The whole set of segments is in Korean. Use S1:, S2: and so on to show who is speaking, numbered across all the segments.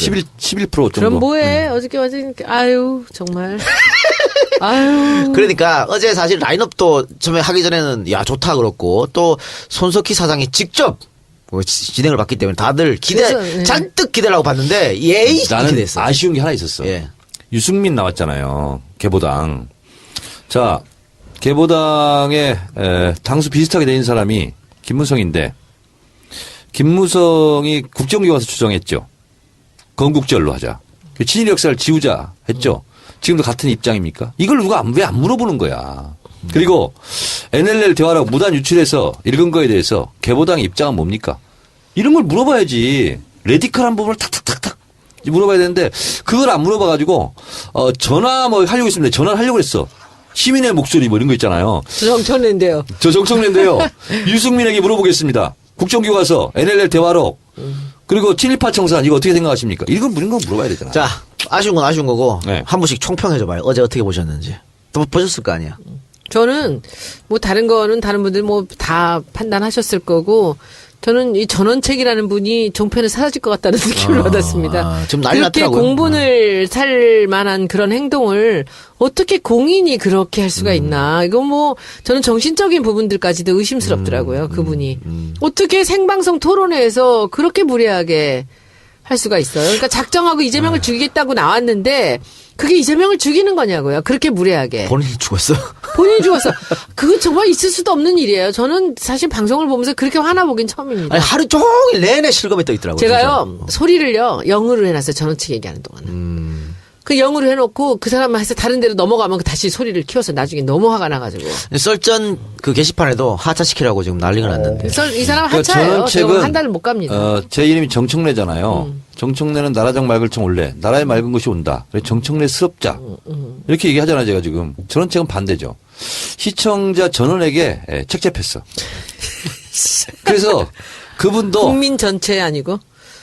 S1: 11% 정도.
S2: 그럼 뭐해? 어저께 완전 아유 정말. 아유.
S3: 그러니까 어제 사실 라인업도 처음에 하기 전에는 야 좋다 그렇고 또 손석희 사장이 직접 진행을 받기 때문에 다들
S2: 그래서, 네.
S3: 잔뜩 기대를 하고 봤는데 예의
S1: 나는
S3: 기대했어.
S1: 아쉬운 게 하나 있었어.
S3: 예.
S1: 유승민 나왔잖아요. 개보당. 자, 개보당에 당수 비슷하게 된 사람이 김무성인데 김무성이 국정원에 와서 추정했죠. 건국절로 하자. 친일 역사를 지우자 했죠. 지금도 같은 입장입니까? 이걸 누가 왜 안 물어보는 거야. 그리고 NLL 대화라고 무단 유출해서 읽은 거에 대해서 개보당의 입장은 뭡니까? 이런 걸 물어봐야지. 레디컬한 부분을 탁탁탁탁 물어봐야 되는데 그걸 안 물어봐가지고 전화 뭐 하려고 했습니다. 전화를 하려고 했어. 시민의 목소리 뭐 이런 거 있잖아요.
S2: 저 정청래인데요.
S1: 저 정청래인데요. 유승민에게 물어보겠습니다. 국정교과서, NLL 대화록, 그리고 친일파 청산 이거 어떻게 생각하십니까? 이런 거 물어봐야 되잖아.
S3: 자, 아쉬운 건 아쉬운 거고
S1: 네.
S3: 한 분씩 총평해줘봐요. 어제 어떻게 보셨는지. 또 보셨을 거 아니야.
S2: 저는 뭐 다른 거는 다른 분들 뭐 다 판단하셨을 거고 저는 이 전원책이라는 분이 종편에 사라질 것 같다는 느낌을 받았습니다.
S3: 지금 난리
S2: 그렇게
S3: 났더라고요.
S2: 공분을 살 만한 그런 행동을 어떻게 공인이 그렇게 할 수가 있나. 이거 뭐 저는 정신적인 부분들까지도 의심스럽더라고요. 그분이. 어떻게 생방송 토론회에서 그렇게 무례하게 할 수가 있어요. 그러니까 작정하고 이재명을 죽이겠다고 나왔는데 그게 이재명을 죽이는 거냐고요. 그렇게 무례하게.
S3: 본인이 죽었어.
S2: 본인이 죽었어. 그거 정말 있을 수도 없는 일이에요. 저는 사실 방송을 보면서 그렇게 화나보긴 처음입니다.
S3: 아니, 하루 종일 내내 실검에 떠 있더라고요.
S2: 제가요,
S3: 진짜.
S2: 소리를요, 영어로 해놨어요. 전원측 얘기하는 동안은. 그 영어로 해놓고 그 사람만 해서 다른 데로 넘어가면 다시 소리를 키워서 나중에 너무 화가 나가지고.
S3: 썰전 그 게시판에도 하차시키라고 지금 난리가 났는데.
S2: 이 사람
S1: 그러니까
S2: 하차예요. 제가
S1: 전원책은
S2: 한 달을 못 갑니다.
S1: 제 이름이 정청래잖아요. 정청래는 나라장 맑을청 올래. 나라에 맑은 것이 온다. 그래서 정청래스럽자. 이렇게 얘기하잖아요. 제가 지금. 전원책은 반대죠. 시청자 전원에게 책잡혔어. 그래서 그분도
S2: 국민 전체 아니고.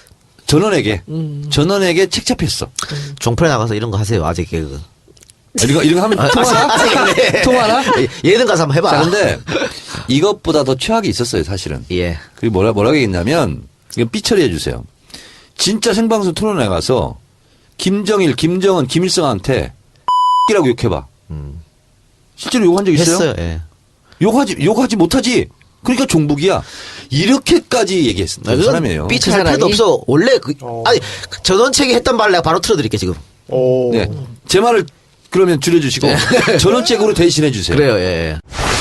S1: 전원에게 책잡혔어.
S3: 종편에 나가서 이런 거 하세요. 아재 개그.
S1: 이런 거 하면 통하나? 통하나?
S3: 예능 가서 한번 해봐.
S1: 자, 근데 이것보다 더 최악이 있었어요, 사실은.
S3: 예.
S1: 그리고 뭐라고 얘기했냐면, 이거 삐처리해 주세요. 진짜 생방송 토론회 가서 김정일, 김정은, 김일성한테 이라고 욕해봐. 실제로 욕한 적 있어요?
S3: 했어요. 예.
S1: 욕하지 못하지. 그러니까 종북이야. 이렇게까지 얘기했습니다. 그 사람이에요.
S3: 삐처할 필요도 없어. 원래 아니 전원책이 했던 말 내가 바로 틀어드릴게 지금.
S1: 네. 제 말을 그러면 줄여주시고 전원책으로 대신해 주세요.
S3: 그래요. 예.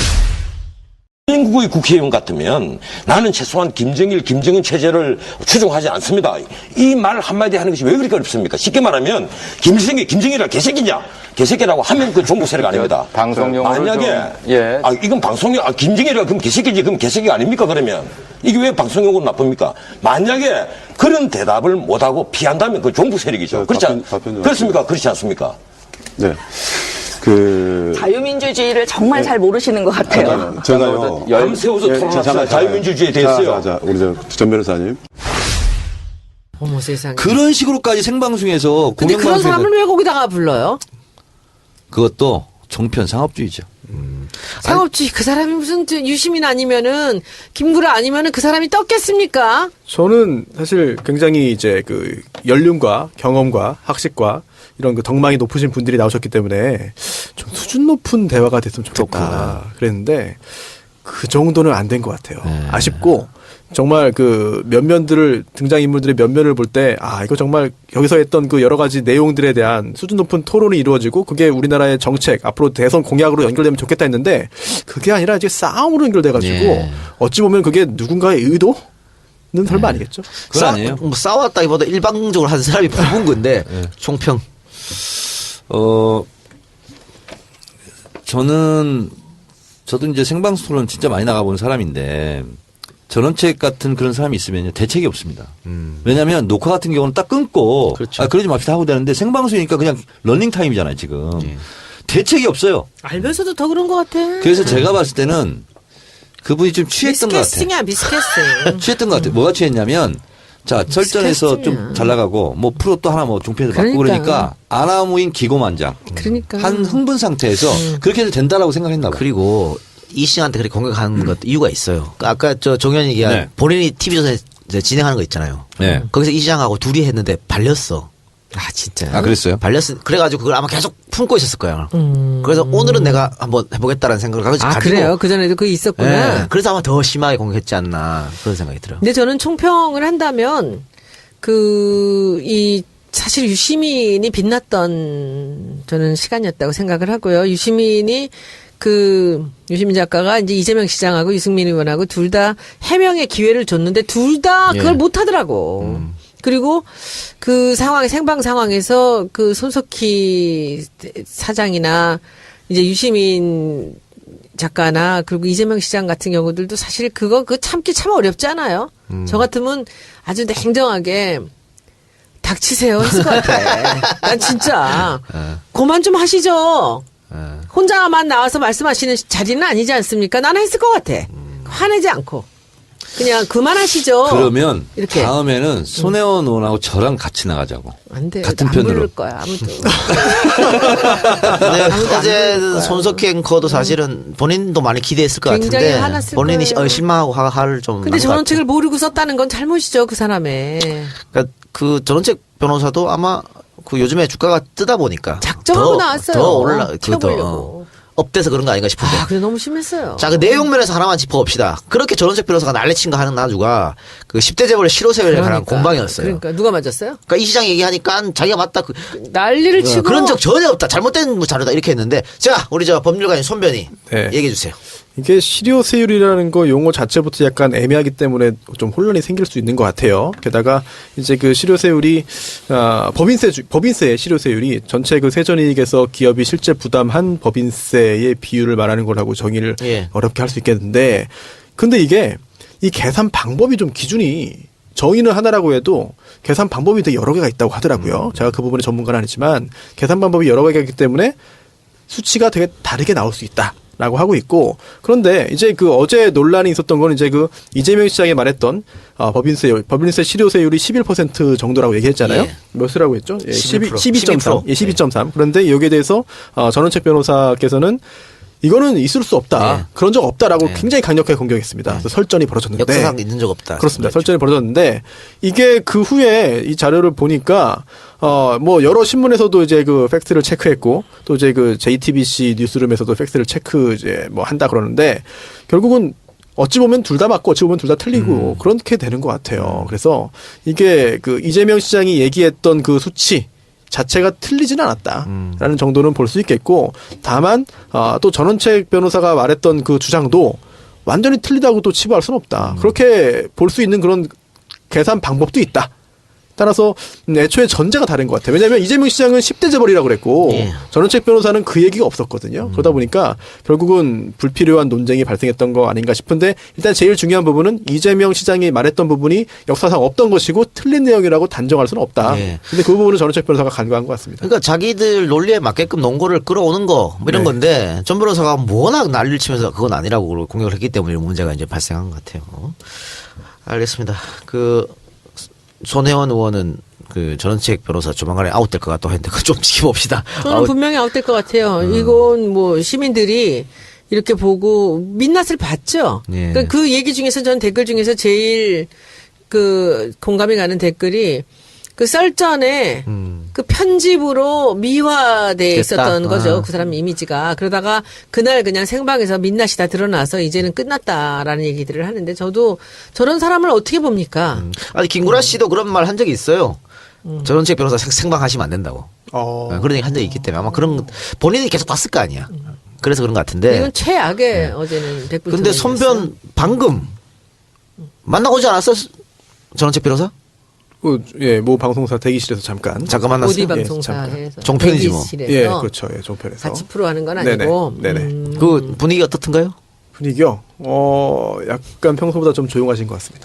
S4: 대한민국의 국회의원 같으면 나는 최소한 김정일, 김정은 체제를 추종하지 않습니다. 이 말 한마디 하는 것이 왜 그렇게 어렵습니까? 쉽게 말하면 김일성이 김정일이라 개새끼냐? 개새끼라고 하면 그 종북 세력 아닙니다.
S5: 방송용으로
S4: 만약에
S5: 예.
S4: 이건 방송용 김정일이라 그럼 개새끼지 그럼 개새끼가 아닙니까? 그러면 이게 왜 방송용으로 나쁩니까? 만약에 그런 대답을 못하고 피한다면 그 종북 세력이죠. 그렇습니까? 그렇지 않습니까?
S5: 네.
S6: 자유민주주의를 정말 잘 모르시는 것 같아요.
S5: 제가요.
S4: 밤새워서 토론합시다. 자유민주주의에 대해서요.
S5: 자, 우리 전 변호사님.
S2: 어머 세상에.
S1: 그런 식으로까지 생방송에서
S2: 근데 그런
S1: 공영방송에서
S2: 사람을 왜 거기다가 불러요?
S1: 그것도 정편 상업주의죠.
S2: 상업주의 그 사람이 무슨 유시민 아니면은 김구라 아니면은 그 사람이 떴겠습니까?
S7: 저는 사실 굉장히 이제 그 연륜과 경험과 학식과 이런 그 덕망이 높으신 분들이 나오셨기 때문에 좀 수준 높은 대화가 됐으면 좋겠다 그랬는데 그 정도는 안 된 것 같아요. 아쉽고 정말 그 면면들을 등장인물들의 면면을 볼 때 이거 정말 여기서 했던 그 여러 가지 내용들에 대한 수준 높은 토론이 이루어지고 그게 우리나라의 정책 앞으로 대선 공약으로 연결되면 좋겠다 했는데 그게 아니라 이제 싸움으로 연결돼가지고 어찌 보면 그게 누군가의 의도는 설마 아니겠죠?
S1: 그건 아니에요.
S3: 싸웠다기보다 일방적으로 한 사람이 부은 건데 총평.
S1: 저도 이제 생방송 토론 진짜 많이 나가본 사람인데 전원책 같은 그런 사람이 있으면 대책이 없습니다. 왜냐하면 녹화 같은 경우는 딱 끊고
S3: 그렇죠.
S1: 그러지 맙시다 하고 되는데 생방송이니까 그냥 러닝 타임이잖아요 지금. 대책이 없어요.
S2: 알면서도 더 그런 것 같아.
S1: 그래서 제가 봤을 때는 그분이 좀 취했던 것 같아요.
S2: 미스캐스팅이야 미스캐스팅.
S1: 취했던 것 같아요. 뭐가 취했냐면 자 설전에서 좀
S2: 미스캐스팅이야.
S1: 잘 나가고 뭐 프로 또 하나 뭐 종편에서 받고 그러니까 아나무인 기고만장.
S2: 그러니까.
S1: 한 흥분 상태에서 그렇게 해도 된다라고 생각했나 봐요.
S3: 그리고 이 씨한테 그렇게 공격하는 것도 이유가 있어요. 아까 저 종현이 얘기한 본인이 TV조선에 이제 진행하는 거 있잖아요.
S1: 네.
S3: 거기서 이 시장하고 둘이 했는데 발렸어.
S2: 아 진짜.
S1: 아, 그랬어요?
S3: 그래가지고 그걸 아마 계속 품고 있었을 거야. 그래서 오늘은 내가 한번 해보겠다는 생각을 가지고.
S2: 아 그래요? 그 전에도 그게 있었구나.
S3: 예, 그래서 아마 더 심하게 공격했지 않나 그런 생각이 들어요.
S2: 근데 저는 총평을 한다면 이 사실 유시민이 빛났던 저는 시간이었다고 생각을 하고요. 유시민 작가가 이제 이재명 시장하고 유승민 의원하고 둘 다 해명의 기회를 줬는데 둘 다 그걸
S3: 예.
S2: 못 하더라고. 그리고 그 생방 상황에서 그 손석희 사장이나 이제 유시민 작가나 그리고 이재명 시장 같은 경우들도 사실 그거 참기 참 어렵지 않아요? 저 같으면 아주 냉정하게 닥치세요 했을 것 같아. 난 진짜 그만 좀 하시죠. 혼자만 나와서 말씀하시는 자리는 아니지 않습니까? 나는 했을 것 같아. 화내지 않고. 그냥 그만하시죠.
S1: 그러면
S2: 이렇게.
S1: 다음에는 손혜원 의원하고 저랑 같이 나가자고.
S2: 안 돼.
S1: 같은
S2: 안
S1: 편으로.
S2: 부를 거야, 아무도.
S3: 근데
S2: 아무도 안
S3: 어제
S2: 부를 거야.
S3: 손석희 앵커도 사실은 본인도 많이 기대했을 것
S2: 굉장히
S3: 같은데
S2: 화났을
S3: 본인이
S2: 거예요.
S3: 실망하고 화를 좀.
S2: 근데
S3: 난것
S2: 전원책을 모르고 썼다는 건 잘못이죠, 그 사람의.
S3: 그러니까 그 전원책 변호사도 아마 그 요즘에 주가가 뜨다 보니까
S2: 작정하고 나왔어요.
S3: 더 올라
S2: 튀어보려고.
S3: 업돼서 그런 거 아닌가 싶은데.
S2: 아, 그래 너무 심했어요.
S3: 자, 그 내용 면에서 하나만 짚어봅시다. 그렇게 전원책 변호사가 난리친 거 하는 나주가 그 10대 재벌의 실효세율에 관한 공방이었어요.
S2: 그러니까 누가 맞았어요?
S3: 그러니까 이 시장 얘기하니까 자기가 맞다.
S2: 난리를 치고.
S3: 그런 적 전혀 없다. 잘못된 자료다. 이렇게 했는데. 자, 우리 저 법률가인 손변이
S7: 네.
S3: 얘기해 주세요.
S7: 이게 실효세율이라는 거 용어 자체부터 약간 애매하기 때문에 좀 혼란이 생길 수 있는 것 같아요. 게다가 이제 그 실효세율이 법인세 실효세율이 전체 그 세전이익에서 기업이 실제 부담한 법인세의 비율을 말하는 거라고 정의를
S3: 예.
S7: 어렵게 할 수 있겠는데, 근데 이게 이 계산 방법이 좀 기준이 정의는 하나라고 해도 계산 방법이 되게 여러 개가 있다고 하더라고요. 제가 그 부분에 전문가는 아니지만 계산 방법이 여러 개가 있기 때문에 수치가 되게 다르게 나올 수 있다. 라고 하고 있고, 그런데 이제 그 어제 논란이 있었던 건 이제 그 이재명 시장이 말했던 법인세 실효세율이 11% 정도라고 얘기했잖아요.
S3: 예.
S7: 몇이라고 했죠? 예,
S3: 12%.
S7: 12.3. 예, 12.3. 그런데 여기에 대해서 전원책 변호사께서는 이거는 있을 수 없다.
S3: 예.
S7: 그런 적 없다라고
S3: 예.
S7: 굉장히 강력하게 공격했습니다. 그래서 설전이 벌어졌는데
S3: 역사상 있는 적 없다.
S7: 그렇습니다. 설전이 벌어졌는데 이게 그 후에 이 자료를 보니까 뭐 여러 신문에서도 이제 그 팩트를 체크했고 또 이제 그 JTBC 뉴스룸에서도 팩트를 체크 이제 뭐 한다 그러는데 결국은 어찌 보면 둘 다 맞고 어찌 보면 둘 다 틀리고 그렇게 되는 것 같아요. 그래서 이게 그 이재명 시장이 얘기했던 그 수치 자체가 틀리지는 않았다라는 정도는 볼 수 있겠고, 다만 또 전원책 변호사가 말했던 그 주장도 완전히 틀리다고 또 치부할 수는 없다. 그렇게 볼 수 있는 그런 계산 방법도 있다. 따라서 애초에 전제가 다른 것 같아요. 왜냐하면 이재명 시장은 10대 재벌이라고 그랬고
S3: 예.
S7: 전원책 변호사는 그 얘기가 없었거든요. 그러다 보니까 결국은 불필요한 논쟁이 발생했던 거 아닌가 싶은데, 일단 제일 중요한 부분은 이재명 시장이 말했던 부분이 역사상 없던 것이고 틀린 내용이라고 단정할 수는 없다.
S3: 예.
S7: 근데 그 부분은 전원책 변호사가 간과한 것 같습니다.
S3: 그러니까 자기들 논리에 맞게끔 논거를 끌어오는 거 뭐 이런
S7: 네.
S3: 건데 전 변호사가 워낙 난리를 치면서 그건 아니라고 공격을 했기 때문에 이런 문제가 이제 발생한 것 같아요. 알겠습니다. 그 손혜원 의원은 그 전원책 변호사 조만간에 아웃될 것 같다고 했는데 그거 좀 지켜봅시다.
S2: 저는 분명히 아웃될 것 같아요. 이건 뭐 시민들이 이렇게 보고 민낯을 봤죠.
S3: 예.
S2: 그러니까 그 얘기 중에서 전 댓글 중에서 제일 그 공감이 가는 댓글이 그 썰전에 그 편집으로 미화돼 있었던
S3: 됐다.
S2: 거죠.
S3: 아.
S2: 그 사람 이미지가. 그러다가 그날 그냥 생방에서 민낯이 다 드러나서 이제는 끝났다라는 얘기들을 하는데 저도 저런 사람을 어떻게 봅니까?
S3: 아니 김구라 씨도 그런 말 한 적이 있어요. 전원책 변호사 생방하시면 안 된다고. 그런 얘기 한 적이 있기 때문에 아마 그런 본인이 계속 봤을 거 아니야. 그래서 그런 것 같은데.
S2: 이건 최악의 어제는 댓글.
S3: 근데 손변 방금 만나오지 않았어? 전원책 변호사?
S7: 예, 모 방송사 대기실에서 잠깐.
S3: 잠깐 만났어요.
S2: 오디
S7: 잠깐.
S2: 방송사에서
S3: 종편이지 뭐.
S2: 대기실에서
S7: 예, 그렇죠. 예, 종편에서.
S2: 같이 프로하는 건
S7: 네네.
S2: 아니고.
S7: 네네.
S3: 그 분위기 어떻던가요?
S7: 분위기요? 약간 평소보다 좀 조용하신 것 같습니다.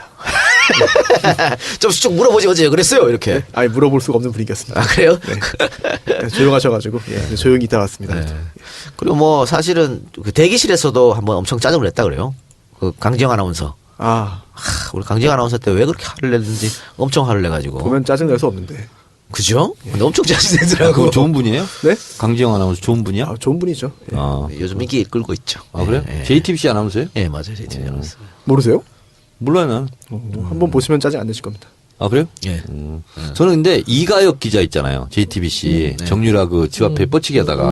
S3: 좀 쭉 물어보지 어제 그랬어요 이렇게.
S7: 아예 물어볼 수가 없는 분위기였습니다.
S3: 아 그래요?
S7: 네, 조용하셔가지고 예, 조용히 있다 왔습니다.
S3: 네. 그리고 뭐 사실은 그 대기실에서도 한번 엄청 짜증을 냈다 그래요. 그 강지영 아나운서. 우리 강지영 아나운서 때 왜 그렇게 화를 냈는지 엄청 화를 내가지고.
S7: 보면 짜증 낼 수 없는데.
S3: 그죠? 근데 엄청 짜증 내더라고.
S1: 그건 좋은 분이에요?
S7: 네?
S1: 강지영 아나운서 좋은 분이야?
S7: 좋은 분이죠. 예.
S1: 아,
S3: 요즘 인기 끌고 있죠.
S1: 그래요?
S3: 예, 예.
S1: JTBC 아나운서예요?
S3: 예, 맞아요. JTBC 아나운서.
S7: 모르세요?
S1: 몰라요, 난.
S7: 한번 보시면 짜증 안 내실 겁니다.
S1: 아, 그래요?
S3: 예.
S1: 저는 근데 이가혁 기자 있잖아요. JTBC. 정유라 그 집 앞에 뻗치기 하다가